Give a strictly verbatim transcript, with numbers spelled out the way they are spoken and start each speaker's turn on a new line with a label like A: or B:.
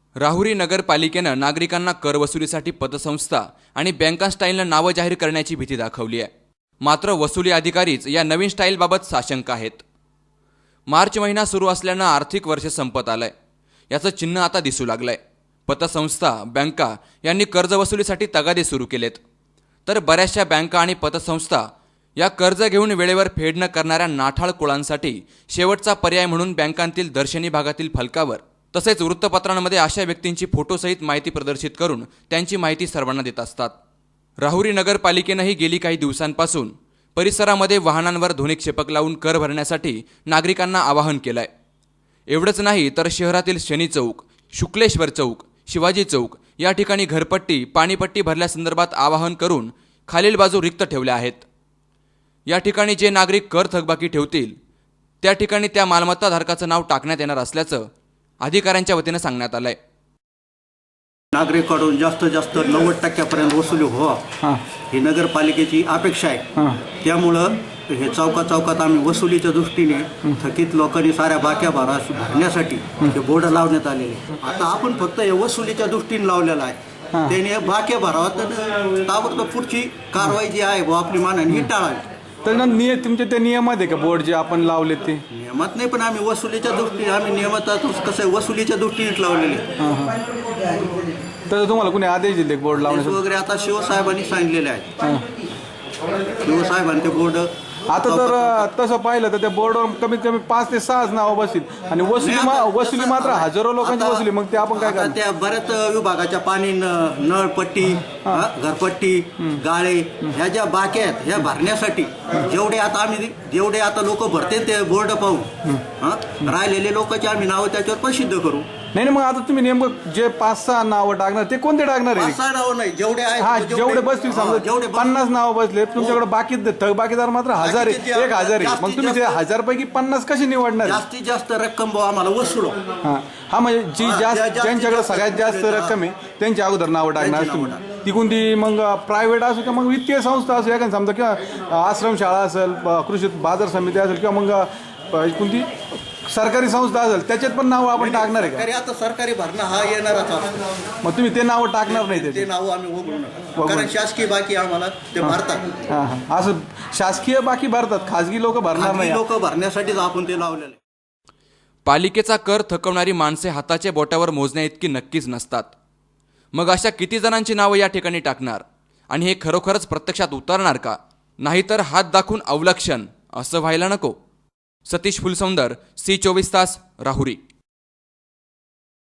A: राहुरी नगरपालिकेनं नागरिकांना कर वसुलीसाठी पतसंस्था आणि बँका स्टाईलनं नावं जाहीर करण्याची भीती दाखवली आहे। मात्र वसुली अधिकारीच या नवीन स्टाईलबाबत साशंक आहेत। मार्च महिना सुरू असल्यानं आर्थिक वर्ष संपत आलंय, याचं चिन्ह आता दिसू लागलंय। पतसंस्था बँका यांनी कर्ज वसुलीसाठी तगादे सुरू केलेत, तर बऱ्याचशा बँका आणि पतसंस्था या कर्ज घेऊन वेळेवर फेड न करणाऱ्या नाठाळ कुळांसाठी शेवटचा पर्याय म्हणून बँकांतील दर्शनी भागातील फलकावर तसेच वृत्तपत्रांमध्ये अशा व्यक्तींची फोटोसहित माहिती प्रदर्शित करून त्यांची माहिती सर्वांना देत असतात। राहुरी नगरपालिकेनंही गेली काही दिवसांपासून परिसरामध्ये वाहनांवर ध्वनिक्षेपक लावून कर भरण्यासाठी नागरिकांना आवाहन केलंय। एवढंच नाही तर शहरातील शनी चौक, शुक्लेश्वर चौक, शिवाजी चौक या ठिकाणी घरपट्टी, पाणीपट्टी भरल्यासंदर्भात आवाहन करून खालील बाजू रिक्त ठेवल्या आहेत। या ठिकाणी जे नागरिक कर थकबाकी ठेवतील त्या ठिकाणी त्या मालमत्ता धारकाचं नाव टाकण्यात येणार असल्याचं अधिकाऱ्यांच्या वतीनं सांगण्यात आलंय।
B: नागरिकांकडून जास्तीत जास्त नव्वद टक्क्यापर्यंत वसुली व्हावा ही नगरपालिकेची अपेक्षा आहे। त्यामुळं हे चौका चौकात आम्ही वसुलीच्या दृष्टीने थकीत लोकांनी साऱ्या बाक्या भरा भरण्यासाठी हे बोर्ड लावण्यात आलेले। आता आपण फक्त हे वसुलीच्या दृष्टीने लावलेलं आहे, त्याने बाक्या भरावा तर ताबडतोब पुढची कारवाई जी आहे व आपली मानाने ही टाळावी।
C: तर निय तुमचे ते नियमात आहे का बोर्ड जे आपण लावले ते?
B: नियमात नाही, पण आम्ही वसुलीच्या दृष्टीने आम्ही नियमात कसं आहे वसुलीच्या दृष्टीने लावलेले।
C: तर तुम्हाला कोणी आदेश दिले बोर्ड लावण्याचे
B: वगैरे आता शिवसाहेबांनी सांगितलेले आहेत। शिवसाहेबांनी ते बोर्ड
C: आता तर तसं पाहिलं तर त्या बोर्डवर कमीत कमी पाच ते सहाच नावं बसतील आणि वसुली वसुली मात्र हजारो लोकांची वसुली। मग ते आपण काय करणार?
B: त्या बऱ्याच विभागाच्या पाणी नळपट्टी, घरपट्टी, गाळे ह्या ज्या बाक्या आहेत ह्या भरण्यासाठी जेवढे आता आम्ही जेवढे आता लोक भरते ते बोर्ड पाहून राहिलेले लोकांचे आम्ही नावं त्याच्यावर प्रसिद्ध करू।
C: नाही नाही, मग आता तुम्ही नेमकं जे पाच सहा नावं टाकणार ते कोणते टाकणार आहे?
B: पाच सहा नावं नाही, जेवढे
C: हा
B: आहेत
C: जेवढे बसतील समजा
B: जेवढे
C: पन्नास नावं बसले तुमच्याकडे, बाकी थकबाकीदार मात्र हजार आहे, एक हजार आहे। मग तुम्ही ते हजार पैकी पन्नास कशी निवडणार?
B: जास्तीत जास्त रक्कम आम्हाला वसुलो।
C: हा हा म्हणजे जी जास्त ज्यांच्याकडे सगळ्यात जास्त रक्कम आहे त्यांच्या अगोदर नावं टाकणार तुम्ही। ती कोणती मग प्रायव्हेट असो किंवा मग वित्तीय संस्था असो एखादी समजा, किंवा आश्रमशाळा असेल, कृषी बाजार समिती असेल, किंवा मग कोणती सरकारी संस्था असेल त्याच्यात पण नाव आपण टाकणार आहे का?
B: आता सरकारी भरणा हा येणारच असतो,
C: मग तुम्ही ते नाव टाकणार नाही?
B: ते नाव आम्ही वगळू नका, कारण शासकीय बाकी आम्हाला ते भरतात।
C: हा हा असं शासकीय बाकी भरतात, खाजगी लोक भरणार नाही।
B: लोक भरण्यासाठीच आपण ते लावलेले।
A: पालिकेचा कर थकवणारी माणसे हाताच्या बोटावर मोजण्या इतकी नक्कीच नसतात। मग अशा किती जणांची नावं या ठिकाणी टाकणार आणि हे खरोखरच प्रत्यक्षात उतरणार का? नाहीतर हात दाखवून अवलक्षण असं व्हायला नको। सतीश फुलसौंदर, सी चोवीस तास, राहुरी।